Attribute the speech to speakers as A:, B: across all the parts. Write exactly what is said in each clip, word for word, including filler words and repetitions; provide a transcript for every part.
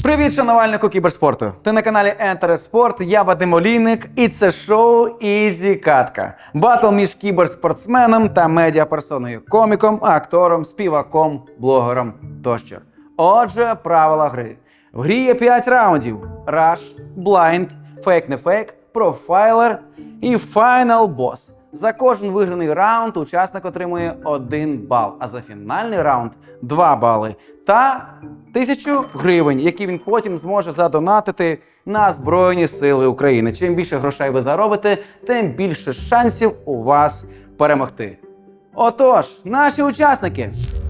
A: Привіт, шанувальнику кіберспорту! Ти на каналі Ентереспорт, я Вадим Олійник, і це шоу Ізі Катка. Батл між кіберспортсменом та медіаперсоною, коміком, актором, співаком, блогером тощо. Отже, правила гри. В грі є п'ять раундів: Rush, Blind, Fake не Fake, Profiler і Final Boss. За кожен виграний раунд учасник отримує один бал, а за фінальний раунд – два бали та тисячу гривень, які він потім зможе задонатити на Збройні Сили України. Чим більше грошей ви заробите, тим більше шансів у вас перемогти. Отож, наші учасники.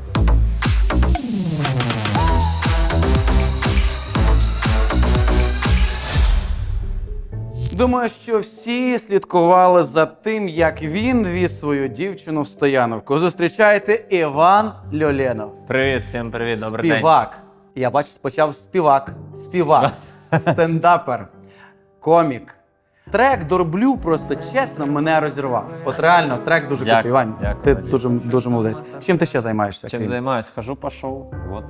A: Думаю, що всі слідкували за тим, як він віз свою дівчину в стояновку. Зустрічайте Іван Льоленов.
B: Привіт, всім привіт, добрий день.
A: Співак. Я бачу, спочав співак. Співак. Стендапер. Комік. Трек «Дорблю» просто чесно мене розірвав. От реально, трек дуже крутий. Іван, ти дуже, дуже молодець. Чим ти ще займаєшся?
B: Чим займаюсь? Хожу по шоу. Вот.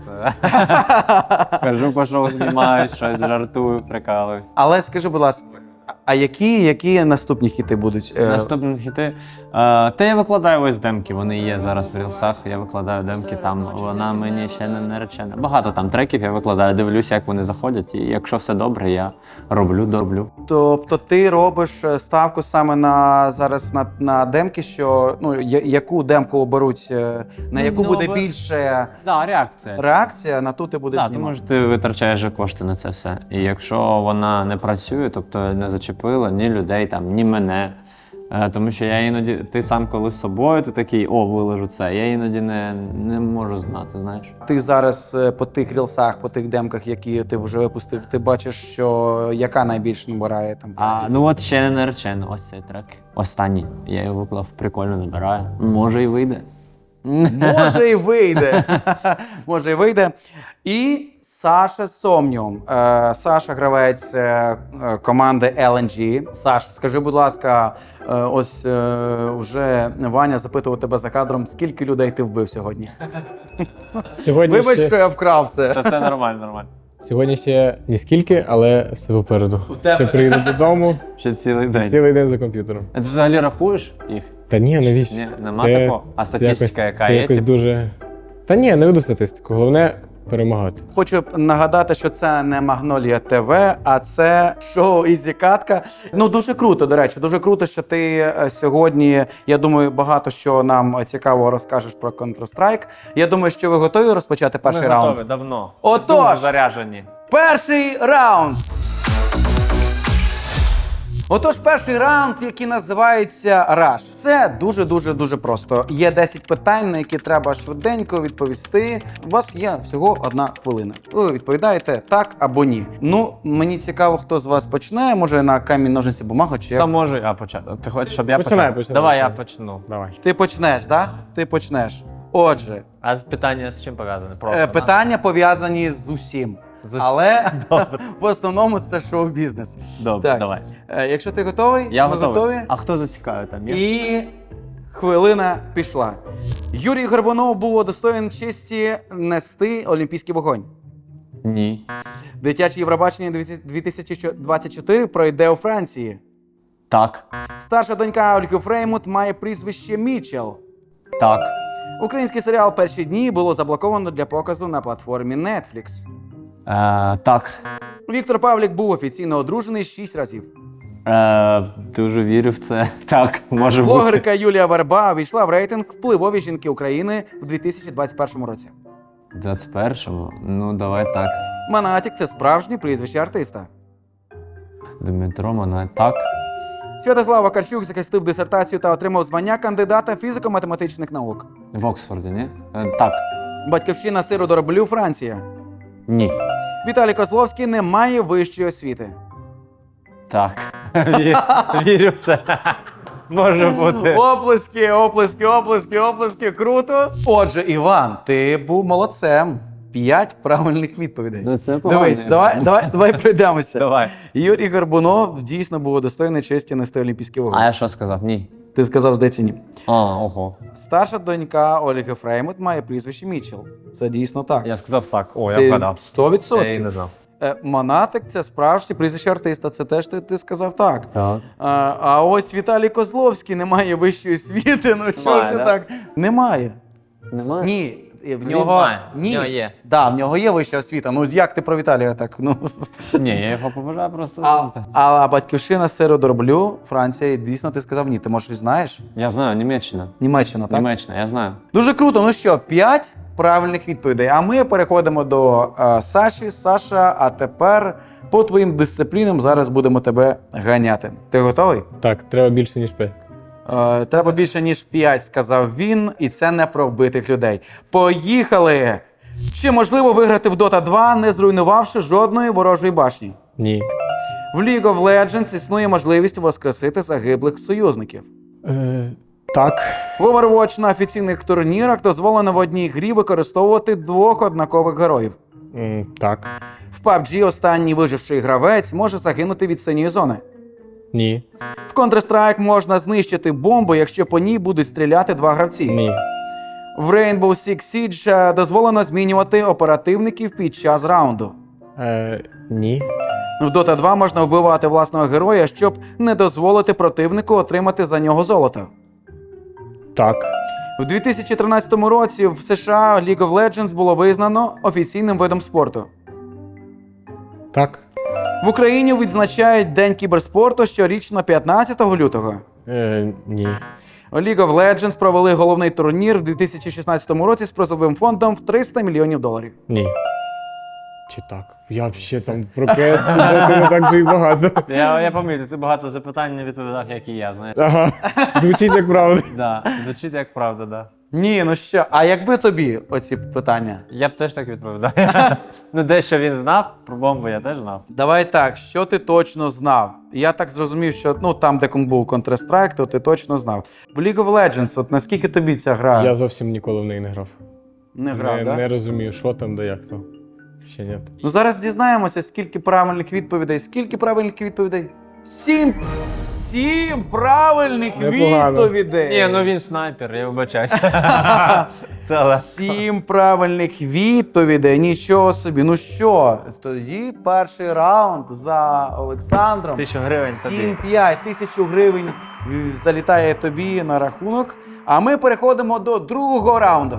B: Хожу по шоу, знімаюсь, щось жартую, прикалуюсь.
A: Але скажи, будь ласка, а які, які наступні хіти будуть?
B: Наступні хіти? Е, та я викладаю ось демки, вони є зараз в рілсах, я викладаю демки там, вона мені ще не наречена. Багато там треків я викладаю, дивлюся, як вони заходять, і якщо все добре, я роблю, дороблю.
A: Тобто ти робиш ставку саме на зараз на, на демки, що ну я, яку демку оберуть, на яку
B: ну,
A: буде
B: ви...
A: більше
B: да, реакція.
A: реакція, на ту ти будеш
B: да,
A: знімати.
B: Тому що ти витрачаєш же кошти на це все. І якщо вона не працює, тобто не зачепила ні людей, там, ні мене. Е, тому що я іноді, ти сам коли з собою, ти такий, о, виложу це. Я іноді не, не можу знати, знаєш.
A: Ти зараз по тих рілсах, по тих демках, які ти вже випустив, ти бачиш, що яка найбільше набирає там?
B: А, ну от ще не наречено, ось цей трек. Останній. Я його виклав, прикольно набирає. Може і вийде.
A: Може і вийде. Може і вийде. І Саша Сомніум. Е, Саша гравець е, команди ел ен джі. Саш, скажи, будь ласка, е, ось е, вже Ваня запитував тебе за кадром, скільки людей ти вбив сьогодні?
C: Сьогодні
A: Вибач,
C: ще...
A: що я вкрав це.
B: Та все нормально, нормально.
C: Сьогодні ще ні скільки, але все попереду.
A: тебе.
C: Ще приїду додому,
B: Ще цілий день.
C: цілий день за комп'ютером.
B: А ти взагалі рахуєш їх?
C: Та ні, навіщо?
B: Ні, нема
C: Це
B: такого? А статистика
C: якось,
B: яка
C: це
B: є?
C: якось
B: Тип?
C: дуже... Та ні, не веду статистику. Головне перемагати.
A: Хочу нагадати, що це не Магнолія ТВ, а це шоу Ізі Катка. Ну, дуже круто, до речі, дуже круто, що ти сьогодні, я думаю, багато що нам цікавого розкажеш про Counter-Strike. Я думаю, що ви готові розпочати перший
B: Ми
A: раунд?
B: готові, давно.
A: Отож!
B: Дуже заряжені.
A: Перший раунд! Отож, перший раунд, який називається Rush. Все дуже-дуже-дуже просто. Є десять питань, на які треба швиденько відповісти. У вас є всього одна хвилина. Ви відповідаєте так або ні. Ну, мені цікаво, хто з вас почне. Може на камінь, ножниці, бумагу, чи
B: Хто
A: як?
B: може я почати? Ти хочеш, щоб я
C: Починай,
B: почав?
C: починай,
B: Давай
C: починай.
B: я почну.
C: Давай.
A: Ти почнеш, так? Да? Ти почнеш. Отже,
B: А питання з чим пов'язане? Просто,
A: е,
B: да?
A: питання пов'язані з усім.
B: З усім.
A: Але в основному це шоу-бізнес.
B: Добре,
A: Так.
B: давай.
A: Е, Якщо ти готовий,
B: Я
A: ми
B: готовий.
A: готові.
B: А хто зацікавив там? Є?
A: І хвилина пішла. Юрій Горбунов був удостоєн честі нести олімпійський вогонь.
B: Ні.
A: Дитяче Євробачення дві тисячі двадцять чотири пройде у Франції.
B: Так.
A: Старша донька Ольги Фреймут має прізвище Мічел.
B: Так.
A: Український серіал «Перші дні» було заблоковано для показу на платформі Netflix.
B: Е, так.
A: Віктор Павлік був офіційно одружений шість разів.
B: Е, дуже вірю в це. Так, може бути.
A: Блогерка Юлія Верба увійшла в рейтинг «Впливові жінки України» в дві тисячі двадцять першому році.
B: В двадцять першому? Ну, давай так.
A: Монатік – це справжнє прізвище артиста.
B: Дмитро Монат. Так.
A: Святослав Вакарчук захистив дисертацію та отримав звання кандидата фізико-математичних наук.
B: В Оксфорді, ні? Е, так.
A: Батьківщина сиру дороблю – Франція.
B: Ні.
A: Віталій Козловський не має вищої освіти.
B: Так. Вірю в це. Може бути.
A: Оплески, оплески, оплески, оплески. Круто. Отже, Іван, ти був молодцем. П'ять правильних відповідей.
B: Ну, це погано.
A: Дивись, давай, давай, давай пройдемося.
B: Давай.
A: Юрій Горбунов дійсно був удостоєний честі нести олімпійський вогонь.
B: А я що сказав? Ні.
A: Ти сказав, здається, ні.
B: А, ого.
A: Старша донька Ольги Фреймут має прізвище Мічел. Це дійсно так.
B: Я сказав так. О, я
A: Ти
B: вгадав.
A: сто відсотків.
B: Я її не знав.
A: Е, Монатик це справжнє прізвище артиста. Це теж ти, ти сказав так.
B: Так.
A: А, а ось Віталій Козловський не має вищої освіти. Ну що ж
B: Немає,
A: ти
B: да?
A: так? Немає.
B: Немає?
A: Ні. В
B: Він
A: нього
B: має.
A: ні.
B: В нього є.
A: Да, в нього є вища освіта. Ну як ти про Віталія так? Ну.
B: Ні, я його побажаю просто.
A: А, а батьківщина сиродроблю, Франція, і дійсно ти сказав ні. Ти може знаєш?
B: Я знаю, Німеччина.
A: Німеччина, так?
B: Німеччина, я знаю.
A: Дуже круто. Ну що, п'ять правильних відповідей. А ми переходимо до е, Саші. Саша, а тепер по твоїм дисциплінам зараз будемо тебе ганяти. Ти готовий?
C: Так, треба більше, ніж п'ять.
A: Е, треба більше, ніж п'ять, сказав він, і це не про вбитих людей. Поїхали! Чи можливо виграти в Дота два, не зруйнувавши жодної ворожої башні?
C: Ні.
A: В League of Legends існує можливість воскресити загиблих союзників.
C: Е, так.
A: В Overwatch на офіційних турнірах дозволено в одній грі використовувати двох однакових героїв.
C: М, так.
A: В паб джі останній виживший гравець може загинути від синьої зони.
C: Ні.
A: В Counter-Strike можна знищити бомбу, якщо по ній будуть стріляти два гравці.
C: Ні.
A: В Rainbow Six Siege е, дозволено змінювати оперативників під час раунду.
C: Е, ні.
A: В Dota два можна вбивати власного героя, щоб не дозволити противнику отримати за нього золото.
C: Так.
A: В дві тисячі тринадцятому році в США League of Legends було визнано офіційним видом спорту.
C: Так.
A: В Україні відзначають День кіберспорту щорічно п'ятнадцятого лютого.
C: Е, ні.
A: У League of Legends провели головний турнір в дві тисячі шістнадцятому році з призовим фондом в триста мільйонів доларів.
C: Ні. Чи так? Я взагалі там про КС не так же і багато.
B: Я, я пам'ятаю, ти багато запитань не відповідав, як і я, знаєш.
C: Ага. Звучить як правда.
B: Да, звучить як правда, да.
A: Ні, ну що, а якби тобі оці питання?
B: Я б теж так відповідав. Ну, дещо він знав, про бомбу я теж знав.
A: Давай так, що ти точно знав? Я так зрозумів, що ну там, де був Counter-Strike, то ти точно знав. В League of Legends, от наскільки тобі ця гра
C: Я зовсім ніколи в неї не грав.
A: не грав,
C: не,
A: да?
C: не розумію, що там, де як то. Ще ні.
A: Ну зараз дізнаємося, скільки правильних відповідей. Скільки правильних відповідей? Сім! Сім правильних
C: Непогано.
A: відповідей!
B: Ні, ну він снайпер, я вибачаюся. Це легко.
A: Сім правильних відповідей, нічого собі. Ну що, тоді перший раунд за Олександром.
B: Тисячу гривень тобі.
A: сім-п'ять, тисячу гривень е, залітає тобі на рахунок. А ми переходимо до другого раунду.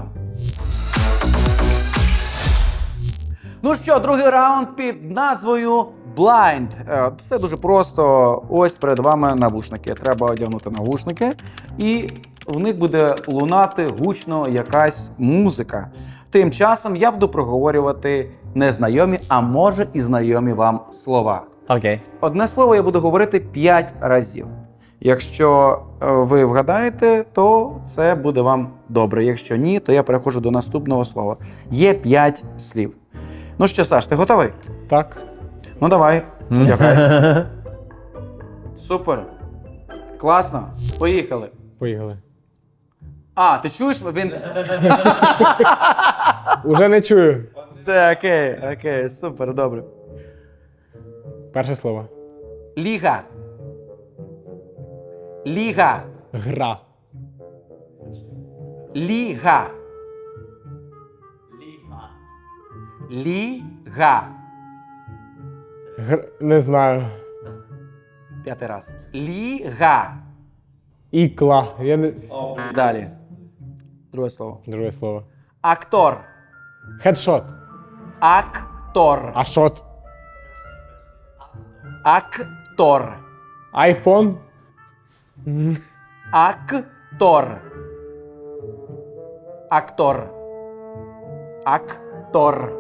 A: Ну що, другий раунд під назвою Blind. Е, Це дуже просто. Ось перед вами навушники. Треба одягнути навушники, і в них буде лунати гучно якась музика. Тим часом я буду проговорювати незнайомі, а може і знайомі вам слова.
B: Окей.
A: Одне слово я буду говорити п'ять разів. Якщо е, ви вгадаєте, то це буде вам добре. Якщо ні, то я переходжу до наступного слова. Є п'ять слів. Ну що, Саш, ти готовий?
C: Так.
A: Ну давай, одягай. Супер. Класно. Поїхали.
C: Поїхали.
A: А, ти чуєш? Він.
C: Уже не чую.
A: Все, окей, окей, супер, добре.
C: Перше слово.
A: Ліга. Ліга.
C: Гра.
A: Ліга. Ліга.
C: Гр... Не знаю.
A: П'ятий раз. Ліга.
C: Ікла. Я не...
A: Далі. Друге слово.
C: Друге слово.
A: Актор.
C: Хедшот.
A: Актор.
C: А шот.
A: Актор.
C: Айфон.
A: Актор. Актор. Актор.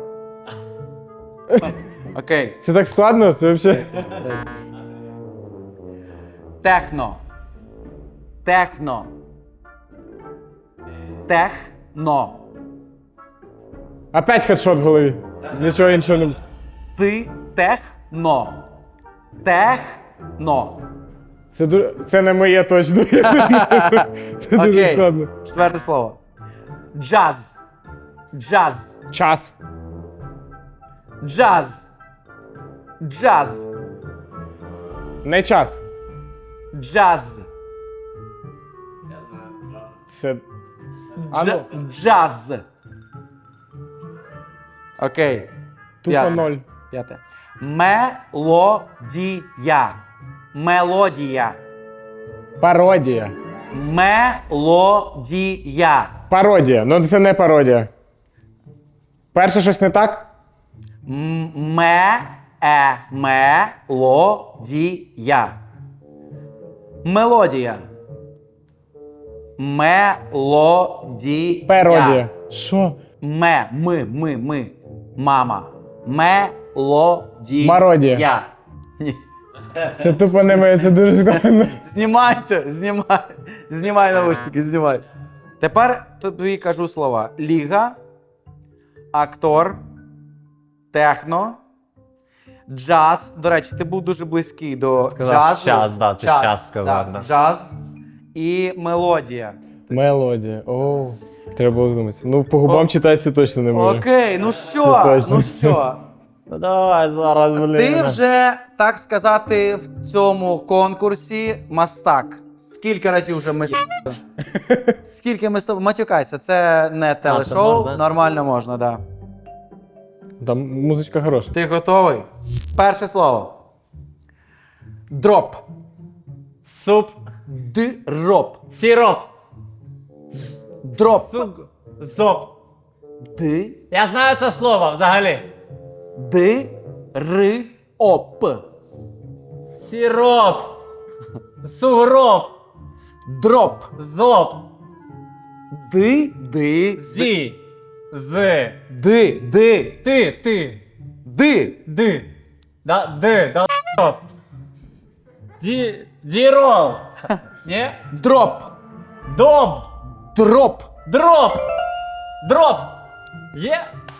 A: Окей.
C: Це так складно? Це взагалі...
A: Техно. Техно. Техно.
C: Опять хедшот в голові. Нічого іншого не...
A: Ти техно. Техно.
C: Це, ду... Це не моє точно. Це дуже
A: Окей.
C: складно.
A: Четверте слово. Джаз. Джаз.
C: Час.
A: Джаз. Джаз.
C: Не час.
A: Джаз.
C: Це... А ну,
A: Дж- Джаз. Окей.
C: тупо
A: П'яте.
C: ноль.
A: П'яте. Мелодія. Мелодія.
C: Пародія.
A: Мелодія.
C: Пародія. Ну це не пародія. Перше щось не так?
A: М- Ме. Е. Мелодія. Мелодія. Мелодія.
C: Пародія. Що?
A: Ме. Ми. Ми. Ми. Мама. Мелодія.
C: Мародія.
A: Ні.
C: Це тупо не моє, це дуже складно.
A: Знімайте, знімай, знімай навушники, знімай. Тепер тобі кажу слова: ліга, актор, техно, джаз. До речі, ти був дуже близький до
B: Сказав
A: джазу.
B: час, да, ти час сказав, да.
A: Джаз і мелодія.
C: Мелодія. Оу. Треба було думати. Ну, по губам
A: О.
C: читати це точно не може.
A: Окей, ну що,
C: точно.
A: ну що?
B: Ну давай зараз, блін.
A: Ти вже, так сказати, в цьому конкурсі мастак. Скільки разів вже ми з тобою? Скільки ми з тобою? Матюкайся, це не телешоу,
B: можна?
A: нормально можна, так. Да.
C: Там музичка хороша.
A: Ти готовий? Перше слово. Дроп.
B: Суп.
A: Дроп.
B: Сироп.
A: Дроп.
B: Сук. Зоп.
A: Д.
B: Я знаю це слово взагалі.
A: Д. Р. Оп.
B: Сироп. Сугроб.
A: Дроп.
B: Зоп.
A: Д. Д.
B: Зі. З.
A: Д. Д.
B: Ти. Ти.
A: Д.
B: Ди. Да, ди. Да, стоп. Ді. Дірол. Ні?
A: Дроп.
B: Доб.
A: Дроп.
B: Дроп. Дроп. Є?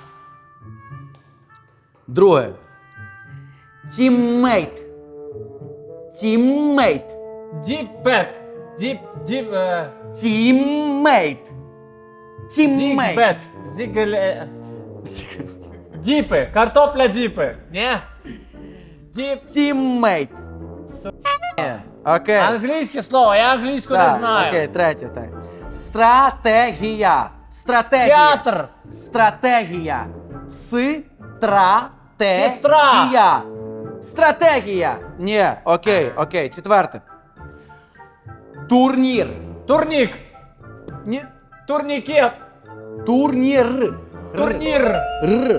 A: Друге. Тіммейт. Тіммейт.
B: Діпет. Діп. Діп. Е...
A: Тіммейт. Тіммейт.
B: Зігбет. Зігле. Діпи. Картопля діпи. Ні? Діп.
A: Тіммейт. Ні. Окей.
B: Англійське слово, я англійську не
A: Так,
B: знаю.
A: окей, третє, так. Стратегія. Стратегія.
B: Театр.
A: Стратегія. С-тра-те-гія.
B: Сестра.
A: Стратегія. Ні, окей, окей. Четверте. Турнір.
B: Турнік.
A: Ні.
B: Турнікет.
A: Турнір. Р.
B: Турнір.
A: Р.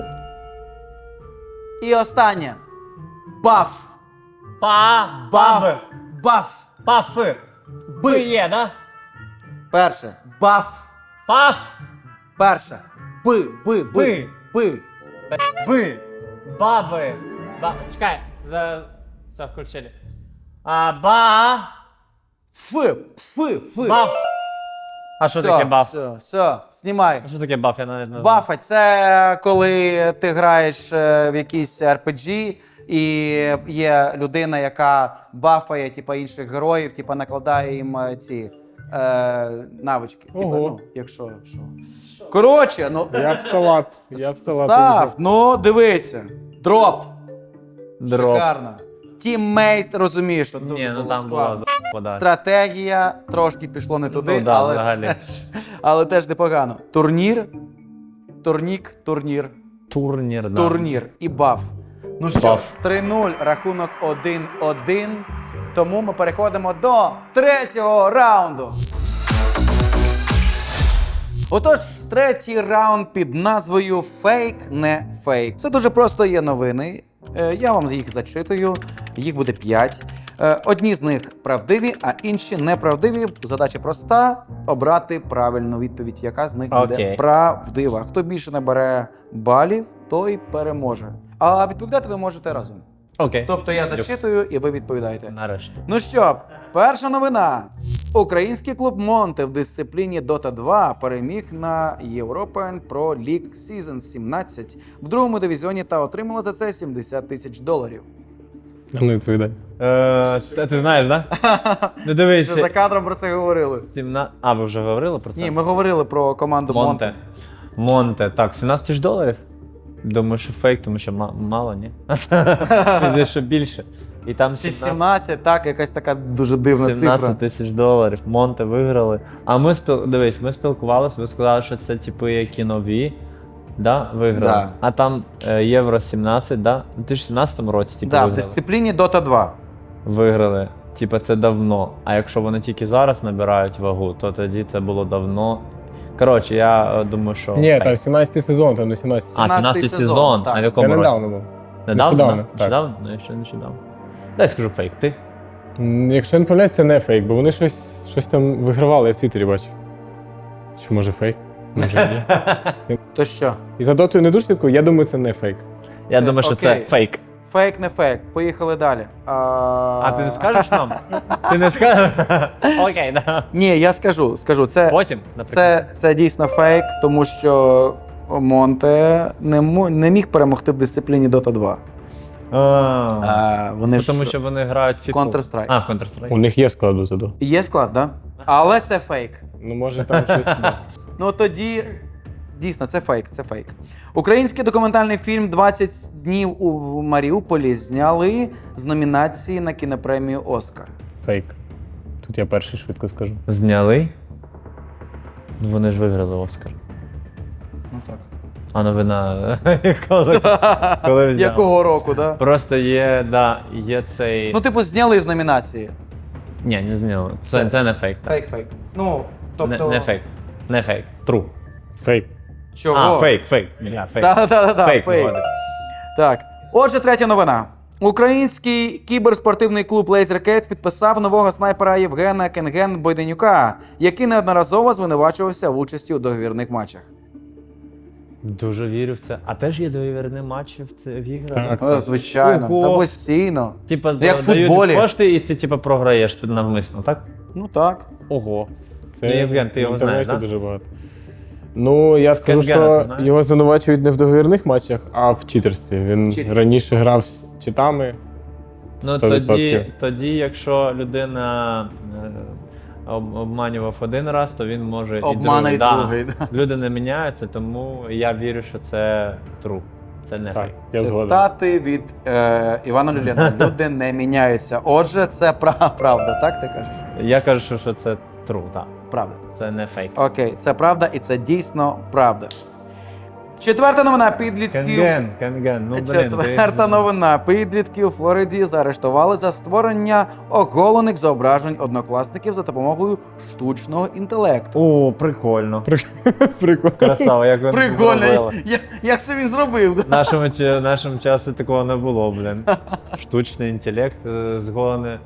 A: І останнє. Баф.
B: Па.
A: Баф.
B: Баб.
A: Баф.
B: Пафи. Б є, да?
A: Перше. Баф.
B: Паф.
A: Перше. Б. Б. Б.
B: Би.
A: Б.
B: Б. Баби. Ба... Чекай. За... Все включили. А, ба.
A: Ф. Ф. Ф.
B: Баф. А що
A: Все,
B: таке баф?
A: Все, все, знімай.
B: А що таке баф? Я навіть не знаю.
A: Бафа це коли ти граєш е, в якийсь ар пі джі і є людина, яка бафає типа, інших героїв, типа, накладає їм е, ці е, навички. Типа,
C: Ого.
A: ну, якщо що. Коротше, ну
C: Я в салат. Я в салат.
A: став, ну дивися. Дроп.
B: Дроп.
A: Шикарно. Тіммейт, розумієш, що дуже
B: Ні, ну
A: було
B: там
A: складно.
B: була вода.
A: Стратегія трошки пішло не туди,
B: Ну да,
A: але,
B: взагалі.
A: теж, але теж непогано. Турнір, турнік, турнір,
B: Турнір, да.
A: турнір і баф. Ну що,
B: Баф.
A: три нуль, рахунок один один. Тому ми переходимо до третього раунду. Отож, третій раунд під назвою «Фейк, не фейк». Це дуже просто є новини. Е, Я вам їх зачитую. Їх буде п'ять. Е, Одні з них правдиві, а інші неправдиві. Задача проста – обрати правильну відповідь, яка з них буде
B: Окей.
A: правдива. Хто більше набере балів, той переможе. А відповідати ви можете разом.
B: Окей.
A: Тобто я зачитую, і ви відповідаєте.
B: Нарешті.
A: Ну що, перша новина. Український клуб Монте в дисципліні Дота два переміг на European Pro League Season сімнадцять в другому дивізіоні та отримала за це сімдесят тисяч доларів.
C: А ну відповідай.
B: Е, та ти знаєш, да? Ну
A: Вже за
B: дивись.
A: кадром про це говорили.
B: сімнадцять... А, ви вже говорили про це?
A: Ні, ми говорили про команду Монте.
B: Монте. Монте. Так, сімнадцять тисяч доларів? Думаю, що фейк, тому що ма- мало, ні? Пізніше, що більше. І там
A: Чи
B: сімнадцять
A: сімнадцять, так, якась така дуже дивна цифра.
B: сімнадцять тисяч доларів. Монте виграли. А ми спіл... дивись, ми спілкувалися, ви сказали, що це типу які нові. Да, виграли.
A: Да.
B: А там е, Євро сімнадцять, да? У дві тисячі сімнадцятому році типу,
A: Да, в
B: виграли.
A: дисципліні Дота два.
B: Виграли. Типа це давно. А якщо вони тільки зараз набирають вагу, то тоді це було давно. Коротше, я е, думаю, що.
C: Ні,
B: фейк.
C: там сімнадцятий сезон, там не сімнадцятий.
B: А,
A: сімнадцятий
B: сімнадцятий
A: сезон,
B: сезон.
A: так.
B: А в
C: Це
B: якому році?
C: недавно був.
B: Недавно?
C: Нещодавно,
B: да?
C: так.
B: Нещодавно? Ну, я ще нещодавно. Дай скажу фейк. Ти?
C: М, Якщо я не помиляюсь, це не фейк, бо вони щось, щось там вигравали, я в Твіттері бачив. Чи може фейк? Може ні.
A: То що?
C: І за дотою не дуже слідкую, я думаю, це не фейк.
B: Я
A: Е,
B: думаю, що це
A: окей.
B: фейк.
A: Фейк, не фейк. Поїхали далі. А,
B: А ти не скажеш нам? Ти не скажеш? Окей, да.
A: Ні, я скажу, скажу. Це,
B: Потім, наприклад.
A: це, це дійсно фейк, тому що Монте не, мо- не міг перемогти в дисципліні Дота два.
B: А,
A: А, вони
B: ну,
A: ж...
B: тому що вони грають в FIFA.
A: Counter-Strike.
B: А, в Counter-Strike.
C: У них є склад до заду.
A: Є склад, так? Да? Але це фейк.
C: Ну, може там щось. да.
A: Ну тоді дійсно це фейк, це фейк. Український документальний фільм «двадцять днів у Маріуполі» зняли з номінації на кінопремію Оскар.
C: Фейк. Тут я перший швидко скажу.
B: Зняли? Ну, вони ж виграли Оскар.
A: Ну так.
B: А новина. коли, коли взяли.
A: Якого року, да?
B: Просто є, да, є цей.
A: Ну, типу, зняли з номінації.
B: Ні, не зняли. Це,
A: Це-
B: це не фейк. Так.
A: Фейк, фейк. Ну, тобто.
B: Не, не фейк. Не фейк. Тру.
C: Фейк.
A: Чого?
B: А, фейк, фейк. Я, фейк.
A: Так, так, так, так,
B: Фейк,
A: фейк.
B: виходить.
A: Так. Отже, третя новина. Український кіберспортивний клуб LaserCat підписав нового снайпера Євгена Кенген Бойденюка, який неодноразово звинувачувався в участі у договірних матчах.
B: Дуже вірю в це. А теж є договірні матчі в це в іграх?
C: Так.
A: О, звичайно,
B: Ого.
A: та постійно.
B: Типа,
A: Як в
B: дають
A: футболі.
B: кошти, і ти типа програєш тут навмисно, так?
A: Ну так.
B: Ого.
C: Це
B: Ну, Євген, ти
C: в
B: його
C: інтернеті
B: знаєш, да?
C: дуже багато. Ну, я скажу,
B: Кенгена ти
C: що
B: знаєш?
C: його звинувачують не в договірних матчах, а в читерстві. Він
A: Читер.
C: раніше грав з читами.
B: Ну
C: сто відсотків.
B: тоді, тоді, якщо людина е, об- обманював один раз, то він може
A: Обмана
B: і
A: і
B: другий.
A: другий,
B: Да. Люди не міняються, тому я вірю, що це true. Це не
C: Так,
B: фейк.
C: я згоден.
A: Цитати від е, Івана Люлєна. Люди не міняються. Отже, це пра- правда, так ти кажеш?
B: Я кажу, що це true, так.
A: Правда.
B: Це не фейк.
A: Окей, це правда і це дійсно правда. Четверта новина підлітків.
B: Кенген, Кенген, ну блін.
A: Четверта
B: ти...
A: новина. Підлітки у Флориді заарештували за створення оголених зображень однокласників за допомогою штучного інтелекту.
B: О, прикольно.
C: Прикольно.
B: Красава, як він
A: Прикольно,
B: зробили.
A: я- як це він зробив?
B: В нашому, чи- в нашому часі такого не було, блін. Штучний інтелект е, згони.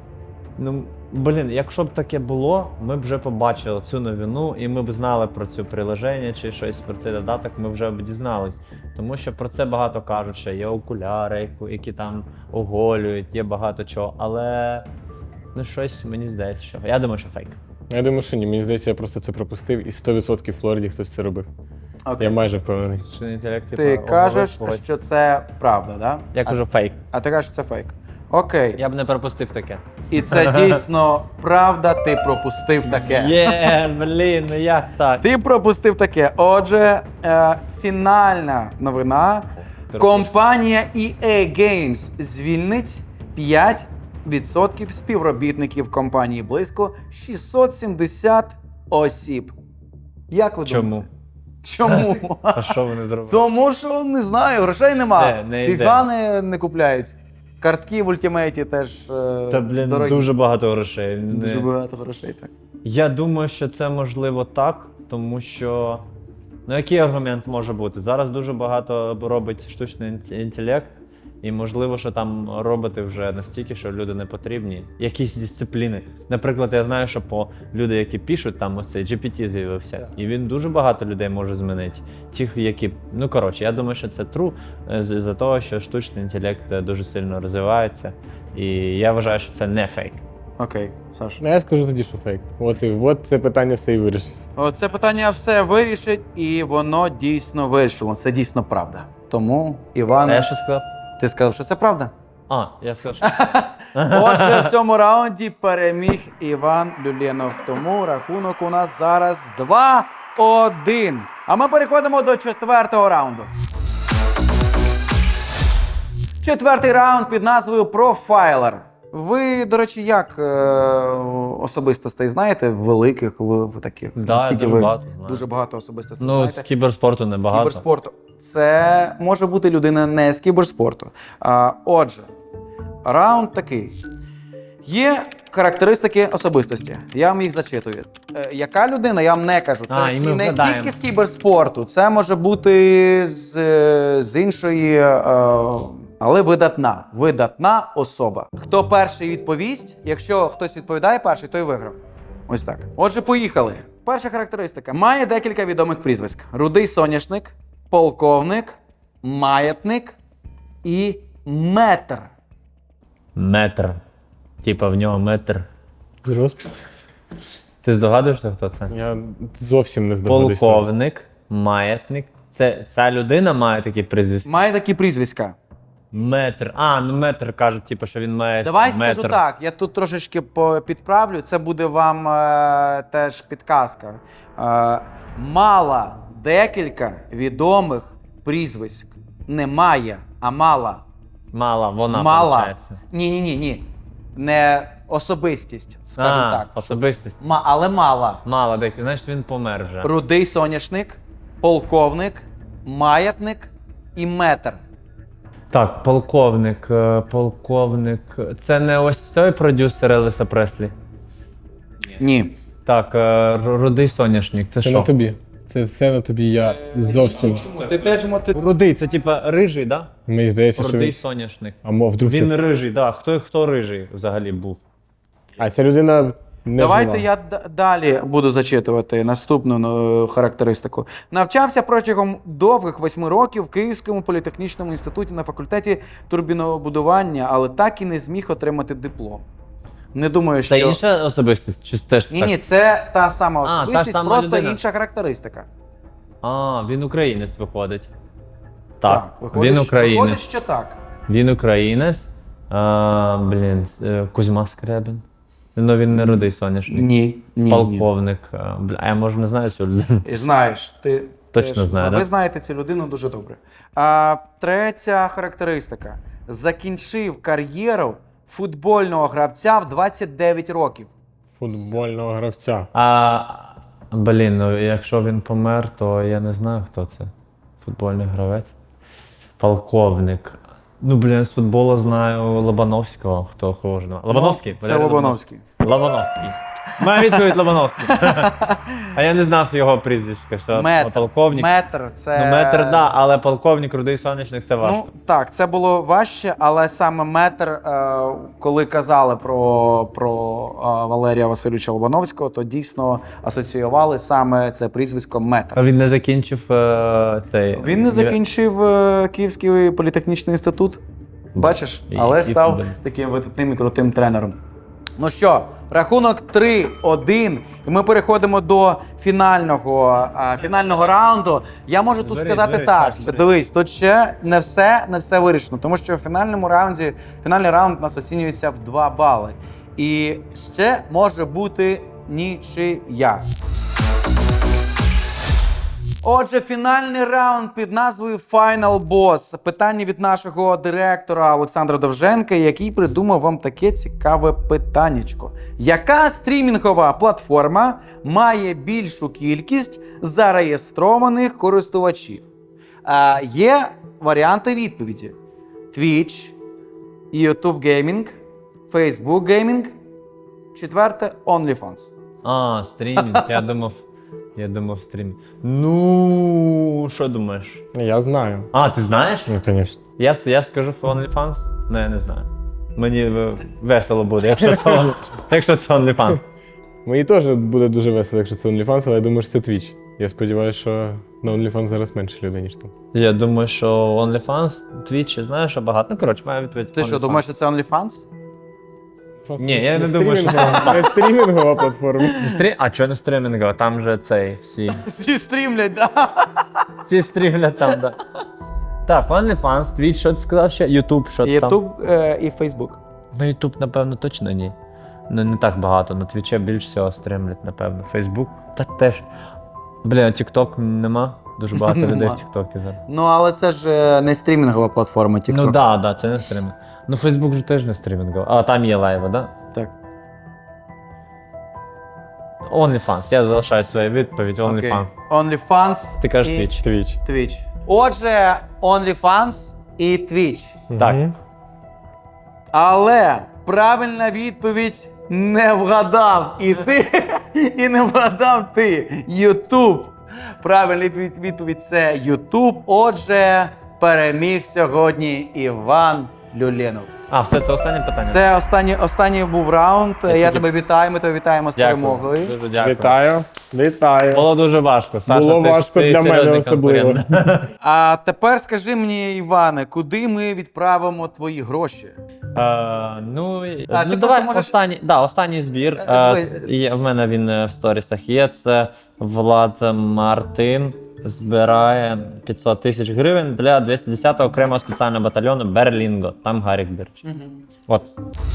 B: Ну, блін, якщо б таке було, ми б вже побачили цю новину, і ми б знали про цю приложення чи щось про цей додаток, ми вже б дізнались. Тому що про це багато кажуть, що є окуляри, яку- які там оголюють, є багато чого. Але ну щось мені здається, що. Я думаю, що фейк.
C: Я думаю, що ні. Мені здається, я просто це пропустив, і сто відсотків в Флориді хтось це робив.
A: Окей.
C: Я майже впевнений.
B: Штучний інтелект, типа,
A: Ти
B: оголив,
A: кажеш,
B: ось.
A: що це правда, да?
B: Я кажу фейк.
A: А ти кажеш, що це фейк. Окей.
B: Я б не пропустив таке.
A: І це дійсно правда, ти пропустив таке.
B: Є, блін, ну як так?
A: Ти пропустив таке. Отже, е, фінальна новина. Компанія і ей Games звільнить п'ять відсотків співробітників компанії близько шістсот сімдесят осіб. Як ви
B: Чому?
A: думаєте? Чому?
B: А що вони зробили?
A: Тому що не знаю, грошей нема.
B: Де? Не йде.
A: Фіфа не, не купляють. Картки в ультимейті теж е,
B: Та, блін,
A: дорогі.
B: дуже багато грошей. Не-
A: Дуже багато грошей, так.
B: Я думаю, що це можливо так, тому що. Ну, який аргумент може бути? Зараз дуже багато робить штучний інт- інтелект, і можливо, що там роботи вже настільки, що люди не потрібні. Якісь дисципліни. Наприклад, я знаю, що по люди, які пишуть, там ось цей джі пі ті з'явився,
A: Так.
B: і він дуже багато людей може змінити. Ті, які. Ну коротше, я думаю, що це true, е, з- з-за того, що штучний інтелект е, дуже сильно розвивається. І я вважаю, що це не фейк.
A: Окей, Саш.
C: Ну, я скажу тоді, що фейк. От і от це питання все і вирішить.
A: Це питання все вирішить, і воно дійсно вирішило. Це дійсно правда. Тому, Іван,
B: А я що сказав?
A: ти сказав, що це правда?
B: А, я сказав, що.
A: Отже, в цьому раунді переміг Іван Люленов. Тому рахунок у нас зараз два один. А ми переходимо до четвертого раунду. Четвертий раунд під назвою Profiler. Ви, до речі, як е, особистостей знаєте? Великих, ви, ви таких?
D: Да,
A: Наскільки
D: дуже
A: ви
D: багато знаю.
A: дуже багато особистостей
D: Ну,
A: знаєте?
D: з кіберспорту
A: З
D: небагато.
A: кіберспорту. Це може бути людина не з кіберспорту. А, отже, раунд такий. Є характеристики особистості. Я вам їх зачитую. Е, яка людина, я вам не кажу. Це
D: А, і ми
A: не
D: вгадаємо.
A: тільки з кіберспорту, це може бути з, е, з іншої, е, але видатна. Видатна особа. Хто перший відповість, якщо хтось відповідає перший, той виграв. Ось так. Отже, поїхали. Перша характеристика. Має декілька відомих прізвиськ: Рудий соняшник, полковник, маятник і метр.
D: Метр. Типа в нього метр.
C: Зрозуміло.
D: Ти здогадуєшся, хто це?
C: Я зовсім не здогадуюся.
D: Полковник, маятник. Це, ця людина має такі прізвиська?
A: Має такі прізвиська.
D: Метр. А, ну метр кажуть, типу, що він має
A: Давай
D: метр.
A: скажу так, я тут трошечки по- підправлю, це буде вам е, теж підказка. Е, мала декілька відомих прізвиськ. Не має, а мала.
D: Мала, вона,
A: мала.
D: виходить.
A: Ні, ні, ні, ні. Не особистість, скажімо
D: А,
A: так.
D: особистість.
A: Ма, але мала.
D: Мала декілька, значить він помер вже.
A: Рудий соняшник, полковник, маятник і метр.
D: Так, полковник, е, полковник. Це не ось той продюсер Елвіса Преслі?
A: Ні.
D: Так, е, Р- Рудий соняшник. Це
C: Це
D: що?
C: на тобі. Це все на тобі. Я зовсім.
A: Ти теж моти...
D: Рудий, це типа рижий, да?
C: Мені здається, що
D: Рудий
C: він...
D: соняшник.
C: А мов вдруг
D: Він
C: це...
D: рижий, да. Хто, хто рижий взагалі був?
C: А ця людина не
A: Давайте
C: жила.
A: я д- далі буду зачитувати наступну е, характеристику. Навчався протягом довгих восьми років в Київському політехнічному інституті на факультеті турбінобудування, але так і не зміг отримати диплом. Не думаю, що...
D: Це інша особистість? Чи теж
A: Ні,
D: так?
A: ні, це та сама
D: А, та
A: особистість,
D: сама
A: просто
D: людина.
A: інша характеристика.
D: А, він українець виходить. Так,
A: виходить,
D: він
A: що-
D: українець.
A: Виходить, що так.
D: Він українець. А, блін, е, Кузьма Скрябін. Ну він не рудий соняшник.
A: Ні, ні,
D: Полковник. А, бля, а я може не знаю цю людину.
A: ні. Знаєш, ти
D: Точно
A: теж
D: знаю,
A: зна-
D: да?
A: Ви знаєте цю людину дуже добре. А, третя характеристика. Закінчив кар'єру футбольного гравця в двадцять дев'ять років.
C: Футбольного гравця.
D: А, блін, ну якщо він помер, то я не знаю, хто це. Футбольний гравець. Полковник. Ну, блін, з футболу знаю Лобановського, хто хоже на. Лобановський?
A: Ну, це Лобановський.
D: Лобановський. Моя відповідь Лобановський. А я не знав його прізвиська, що
A: Метр.
D: полковник.
A: Метр, це...
D: Ну, метр, да, але полковник, рудий сонячник це важко.
A: Ну, так, це було важче, але саме метр, е, коли казали про, про е, Валерія Васильовича Лобановського, то дійсно асоціювали саме це прізвисько метр.
D: А він не закінчив е, цей.
A: Він не закінчив е, Київський політехнічний інститут, бачиш,
D: І-
A: але
D: і
A: став
D: футболіст.
A: таким видатним і крутим тренером. Ну що, рахунок три один, і ми переходимо до фінального, а, фінального раунду. Я можу тут
D: Беріть,
A: сказати
D: беріть,
A: так,
D: Саш,
A: що
D: беріть.
A: дивись, тут ще не все, не все вирішено, тому що в фінальному раунді, фінальний раунд у нас оцінюється в два бали. І ще може бути нічия. Отже, фінальний раунд під назвою Final Boss. Питання від нашого директора Олександра Довженка, який придумав вам таке цікаве питаннячко. Яка стрімінгова платформа має більшу кількість зареєстрованих користувачів? А, є варіанти відповіді: Twitch, YouTube Gaming, Facebook Gaming, четверте OnlyFans.
D: А, стрімінг, я думав. Я думав стрімінг. Ну, що думаєш?
C: Я знаю.
D: А, ти знаєш?
C: Ну, звісно.
D: Я, я скажу OnlyFans? Ну, я не знаю. Мені е, весело буде, якщо це, якщо це OnlyFans.
C: Мені теж буде дуже весело, якщо це OnlyFans, але я думаю, що це Twitch. Я сподіваюся, що на OnlyFans зараз менше людей, ніж там.
D: Я думаю, що OnlyFans, Twitch, знаєш, що багато. Ну, коротше, моя відповідь.
A: Ти що,
D: OnlyFans.
A: думаєш, що це OnlyFans?
D: Ні, я не думаю, що-
C: стрімінгова- Не стрімінгова платформа.
D: Не стрі... А чого не стрімінгова? Там же цей всі.
A: Всі стрімлять, да?
D: Всі стрімлять там, да. Так, OnlyFans, Twitch, що ти сказав ще? YouTube, що там?
A: YouTube е, і Facebook.
D: Ну, YouTube, напевно, точно ні. Ну, не так багато. На Твічі більш всього стрімлять, напевно. Facebook, та теж. Блін, TikTok нема. Дуже багато людей в
A: Нема.
D: TikTok зараз.
A: Ну, але це ж е, не стрімінгова платформа TikTok.
D: Ну так, да, да, це не стрімінг. Ну, Фейсбук же теж не стрімінговий. А, там є лайви, да?
A: Так.
D: OnlyFans. Я залишаю свою відповідь. OnlyFans.
A: OnlyFans.
D: Ти кажеш
A: і
D: Twitch.
C: Твіч.
A: Twitch. Отже, OnlyFans і Twitch.
D: Так.
C: Мгм.
A: Але правильна відповідь не вгадав і ти, і не вгадав ти. YouTube. Правильна від- відповідь це YouTube. Отже, переміг сьогодні Іван Люленов.
D: А, все, це останнє питання.
A: Це останній, останній був раунд. Я,
D: тільки-
A: тебе вітаю, ми тебе вітаємо з
D: Дякую.
A: перемогою.
D: Дуже дякую.
C: Вітаю. Вітаю.
D: Було дуже важко. Саша,
C: Було
D: ти,
C: важко
D: ти
C: для мене
D: серйозний
C: особливо.
D: конкурент.
A: А тепер скажи мені, Іване, куди ми відправимо твої гроші?
D: Е, ну, і-
A: А,
D: ну
A: ти
D: давай
A: просто можеш-
D: останній, да, останній збір.
A: Е,
D: Е,
A: давай.
D: є, в мене він е, в сторісах є. Це Влад Мартин збирає п'ятсот тисяч гривень для двісті десятого окремого спеціального батальйону Берлінго. Там Гарік Бірч. От.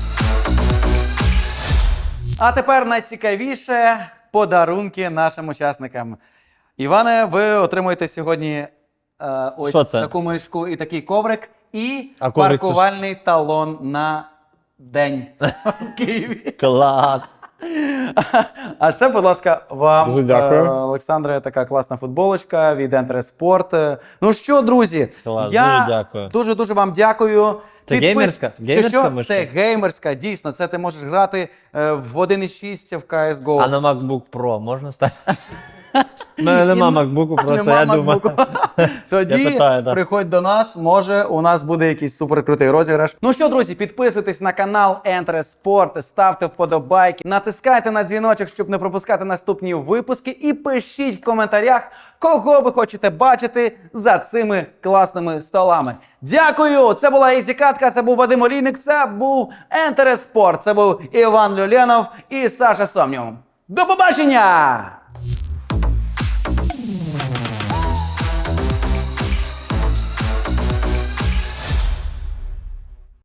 A: А тепер найцікавіше подарунки нашим учасникам. Іване, ви отримуєте сьогодні е, ось
D: Що це?
A: таку мишку і такий коврик, і
D: А коврик це
A: паркувальний талон на день в Києві.
D: Клас!
A: А це, будь ласка, вам,
C: Дуже дякую.
A: е, Олександре, така класна футболочка від Enter Sport. Ну що, друзі,
D: Клас,
A: я
D: дуже дякую.
A: дуже дуже вам дякую.
D: Це
A: Підпис-
D: геймерська?
A: Чи
D: Геймерська
A: що?
D: мишка?
A: Це геймерська, дійсно. Це ти можеш грати е, в один і шість в сі ес го.
D: А на MacBook Pro можна ставити? У мене нема
A: І-
D: MacBook, просто
A: Нема
D: я думаю.
A: MacBook. Тоді
D: Я питаю, да.
A: приходь до нас, може у нас буде якийсь суперкрутий розіграш. Ну що, друзі, підписуйтесь на канал Enter Sport, ставте вподобайки, натискайте на дзвіночок, щоб не пропускати наступні випуски, і пишіть в коментарях, кого ви хочете бачити за цими класними столами. Дякую! Це була Ізі Катка, це був Вадим Олійник, це був Enter Sport, це був Іван Люленов і Саша Сомнів. До побачення!